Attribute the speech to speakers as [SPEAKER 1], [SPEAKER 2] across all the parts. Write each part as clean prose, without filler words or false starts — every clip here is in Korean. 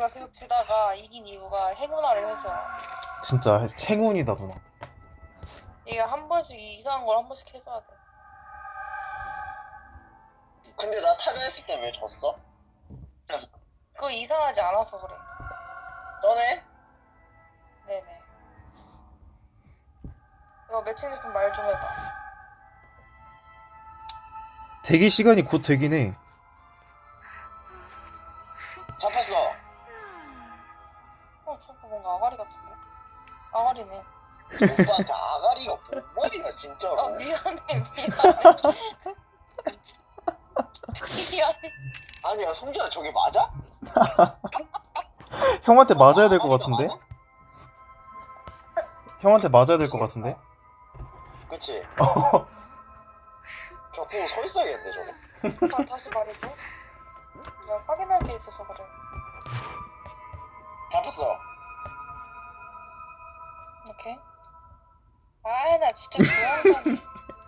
[SPEAKER 1] 우리가 계속 지다가 이긴 이유가 행운아를 해서.
[SPEAKER 2] 진짜 행운이다 누나.
[SPEAKER 1] 이게 한 번씩 이상한 걸 한 번씩 해줘야 돼.
[SPEAKER 3] 근데 나 타자했을 때 왜 졌어?
[SPEAKER 1] 그거 이상하지 않아서 그래.
[SPEAKER 3] 전에?
[SPEAKER 1] 네네. 이거 매칭 좀 말 좀 해봐.
[SPEAKER 2] 대기 시간이 곧 되긴 해.
[SPEAKER 3] 잡혔어.
[SPEAKER 1] 저거 뭔가 아가리 같은데? 아가리네.
[SPEAKER 3] 오빠한테 아가리가 뭔 진짜로.
[SPEAKER 1] 미안해. 미안해.
[SPEAKER 3] 아니야 성준아 저게 맞아?
[SPEAKER 2] 형한테 맞아야 될 것
[SPEAKER 3] 아가리가
[SPEAKER 2] 같은데?
[SPEAKER 3] 맞아?
[SPEAKER 2] 형한테 맞아야 될 것 같은데?
[SPEAKER 3] 그치? 저 그거 서 있어야겠는데 저거.
[SPEAKER 1] 다시 말해줘. 내가 확인할 게 있어서 그래.
[SPEAKER 3] 잡혔어.
[SPEAKER 1] 오케이. 아, 나 진짜 좋아한다니.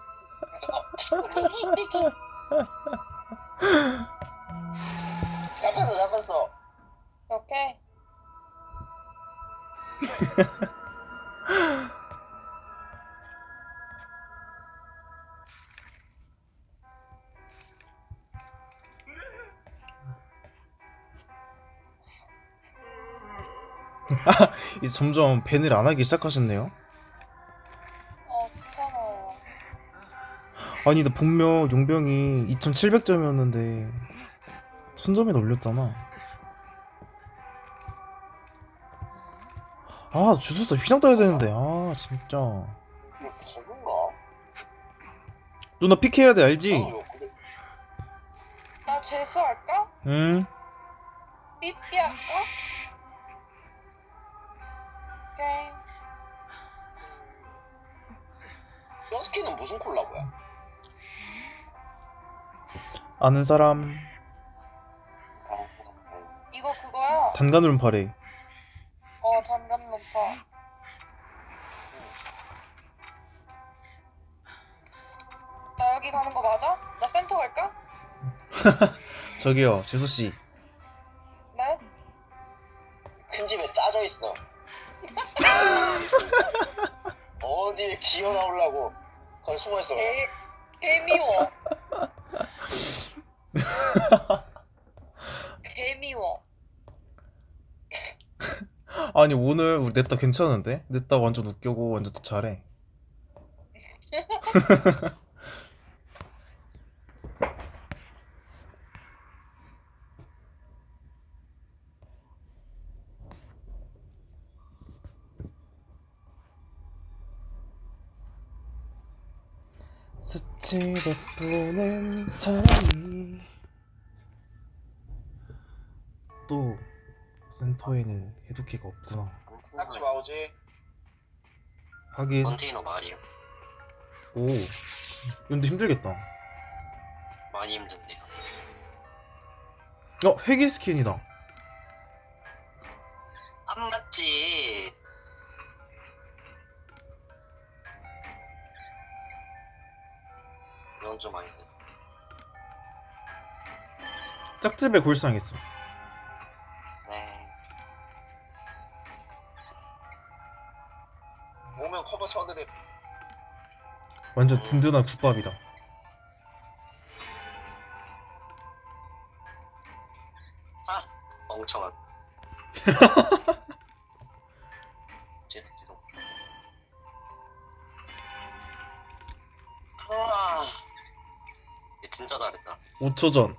[SPEAKER 3] 잡혔어.
[SPEAKER 1] 오케이.
[SPEAKER 2] 이제 점점 밴을 안 하기 시작하셨네요.
[SPEAKER 1] 괜찮아요.
[SPEAKER 2] 아니 나 분명 용병이 2700점이었는데 1000점이나 올렸잖아. 아 주술사 휘장 떠야 되는데 아 진짜.
[SPEAKER 3] 이거 버그인가?
[SPEAKER 2] 누나 픽해야 돼 알지?
[SPEAKER 3] 이거 그래.
[SPEAKER 1] 나 재수할까?
[SPEAKER 2] 응?
[SPEAKER 1] 삐삐 할까? 오케이.
[SPEAKER 3] 여스키는 무슨 콜라보야?
[SPEAKER 2] 아는 사람
[SPEAKER 1] 이거 그거야.
[SPEAKER 2] 단간으로 바래.
[SPEAKER 1] 단감 높아. 나 여기 가는 거 맞아? 나 센터 갈까?
[SPEAKER 2] 저기요 지수씨
[SPEAKER 1] 네?
[SPEAKER 3] 큰 집에 짜져 있어. 어디에 기어 나오려고 거기 숨어 있어.
[SPEAKER 1] 개미워. 개미워.
[SPEAKER 2] 아니 오늘 우리 냈다 괜찮은데? 냈다 완전 웃겨고 완전 잘해. 스치듯 보는 사람이 또 센터에는 해독기가 없구나.
[SPEAKER 3] 딱지 마오지.
[SPEAKER 2] 하긴
[SPEAKER 4] 컨테이너 말이요.
[SPEAKER 2] 오 근데 힘들겠다.
[SPEAKER 4] 많이 힘든데요.
[SPEAKER 2] 회기 스킨이다.
[SPEAKER 4] 안 맞지. 이건 좀 아닌데.
[SPEAKER 2] 짝집에 골상 있어.
[SPEAKER 4] 네.
[SPEAKER 3] 오면 커버 쳐드립.
[SPEAKER 2] 완전 든든한 국밥이다.
[SPEAKER 4] 아, 멍청한. 죄송. 아, 얘 진짜 잘했다.
[SPEAKER 2] 5초 전.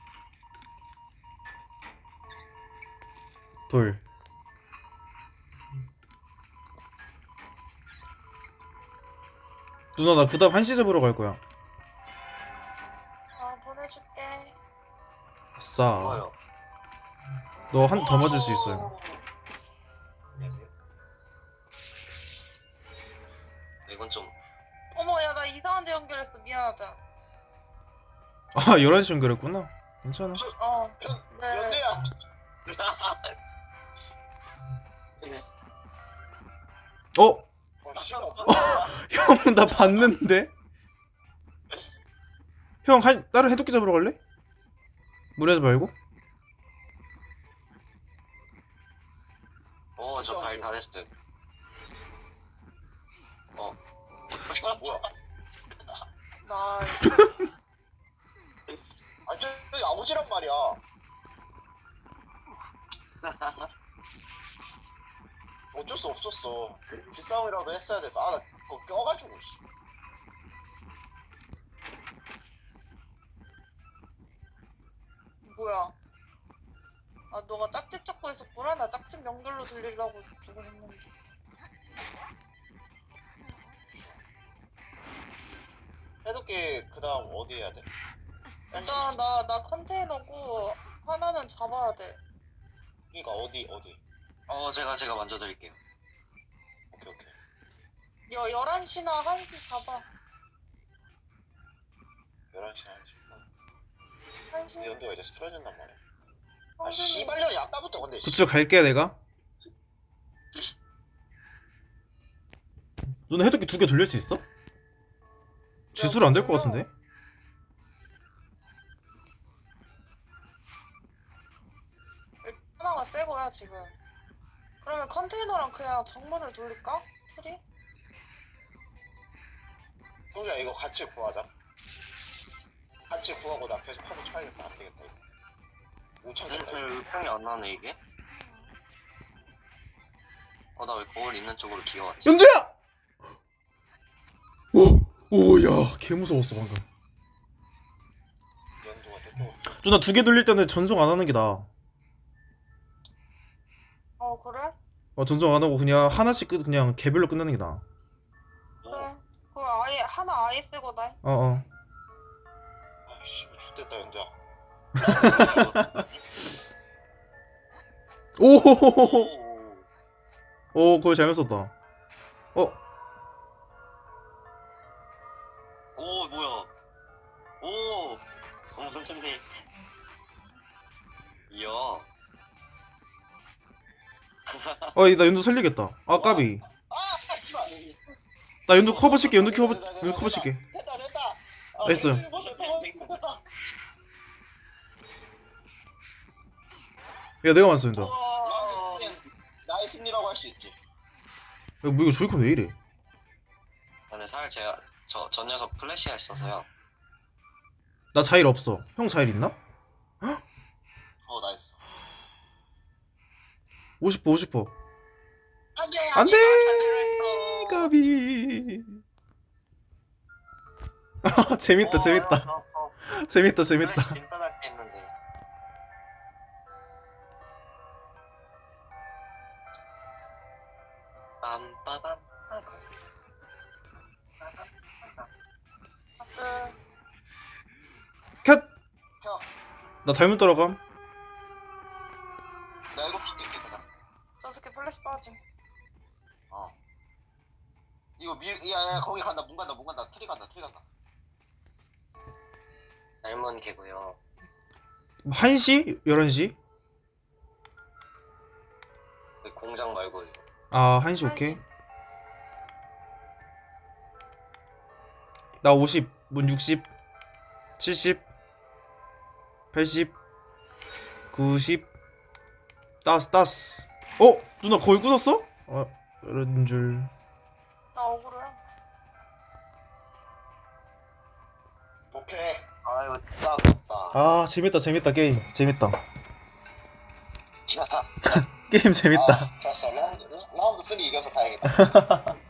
[SPEAKER 2] 돌. 누나 나 그다음 한시 잡으러 갈 거야.
[SPEAKER 1] 보내줄게.
[SPEAKER 2] 아싸.
[SPEAKER 4] 좋아요.
[SPEAKER 2] 너 한 더 맞을 수 있어요.
[SPEAKER 4] 안녕하세요. 이건 좀
[SPEAKER 1] 어머, 야, 나 이상한 데 연결했어. 미안하다.
[SPEAKER 2] 아 11시 연결했구나. 괜찮아.
[SPEAKER 1] 네.
[SPEAKER 3] 연대야.
[SPEAKER 2] 어?
[SPEAKER 3] 씨발.
[SPEAKER 2] 형 나 봤는데? 형 다른 해독기 잡으러 갈래? 무리하지 말고.
[SPEAKER 4] 잘했어요.
[SPEAKER 3] 뭐야?
[SPEAKER 1] 나
[SPEAKER 3] 아니 저기 아버지란 말이야. 어쩔 수 없었어. 빗싸움이라도 했어야 돼서. 아 나 그거 껴가지고. 씨.
[SPEAKER 1] 뭐야? 아 너가 짝집 잡고 있었구나. 나 짝집 연결로 돌리려고 저거 했는데.
[SPEAKER 3] 해독기 그다음 어디 해야 돼?
[SPEAKER 1] 일단 나 컨테이너고 하나는 잡아야 돼.
[SPEAKER 3] 그러니까 어디?
[SPEAKER 4] 제가 먼저 드릴게요.
[SPEAKER 3] 오케이.
[SPEAKER 1] 11시나 1시 잡아.
[SPEAKER 3] 11시 1시.
[SPEAKER 1] 1시?
[SPEAKER 3] 연도가 이제 쓰러진단 말이야. 아
[SPEAKER 1] 성준이
[SPEAKER 3] 씨발년이 아까부터 근데.
[SPEAKER 2] 그쪽 갈게 내가. 누나 해독기 2개 돌릴 수 있어? 지수로 안 될 것 같은데?
[SPEAKER 1] 하나가 새 거야 지금. 그러면 컨테이너랑 그냥 정문을 돌릴까? 소리?
[SPEAKER 3] 성주야 이거 같이 구하자. 같이 구하고 나 계속 커버 쳐야겠다. 안 되겠다 이거. 5천 줬다 이거.
[SPEAKER 4] 평이 안 나네 이게. 나 왜 거울 있는 쪽으로 기어왔지?
[SPEAKER 2] 연두야! 오야 개 무서웠어 방금.
[SPEAKER 3] 연도가 됐고.
[SPEAKER 2] 누나 2개 돌릴 때는 전송 안 하는 게 나아.
[SPEAKER 1] 그래?
[SPEAKER 2] 전송 안 하고 그냥 하나씩 그냥 개별로 끝내는 게 나아.
[SPEAKER 1] 그래. 그럼 아예 하나 아예 쓰거나.
[SPEAKER 3] 아씨 X됐다 연두야.
[SPEAKER 2] 오호호호. 오 그거 잘못 썼다.
[SPEAKER 4] 오 뭐야? 선생님. 이야.
[SPEAKER 2] 나 연두 살리겠다. 아 까비. 나 연두 커버 칠게. 연두 커버 칠게.
[SPEAKER 3] 됐다.
[SPEAKER 2] 나이스.
[SPEAKER 3] 됐다.
[SPEAKER 2] 야 내가 맞았어 연두.
[SPEAKER 3] 나의 승리라고 할 수 있지.
[SPEAKER 2] 뭐 이거 조이콘 왜 이래?
[SPEAKER 4] 근데 사실 제가 저 녀석 플래시가 있어서요.
[SPEAKER 2] 나 자일 없어. 형 자일 있나?
[SPEAKER 3] 나이스.
[SPEAKER 2] 50%.
[SPEAKER 3] 안돼.
[SPEAKER 2] 안돼. 까비. 재밌다. 재밌다.
[SPEAKER 4] 플래시 진짜 잘 했는데. 빰빠밤.
[SPEAKER 2] 컷.
[SPEAKER 3] 형,
[SPEAKER 2] 나 닮은 따라감.
[SPEAKER 3] 나 이거 피 뜯겠다.
[SPEAKER 1] 저 새끼 플래시 빠짐.
[SPEAKER 3] 이거 야 거기 간다. 문 간다. 트리 간다.
[SPEAKER 4] 닮은 개고요.
[SPEAKER 2] 1시? 11시?
[SPEAKER 4] 그 공장 말고 이거.
[SPEAKER 2] 아 1시 오케이. 나 50, 문 60, 70, 80, 90. 따스. 누나 거의 끊었어? 이런 줄.
[SPEAKER 1] 나 억울해.
[SPEAKER 3] 오케이.
[SPEAKER 4] 이거 진짜 아깝다.
[SPEAKER 2] 재밌다 게임. 재밌다. 게임 재밌다.
[SPEAKER 3] 됐어. 라운드 3 이겨서 다행이다.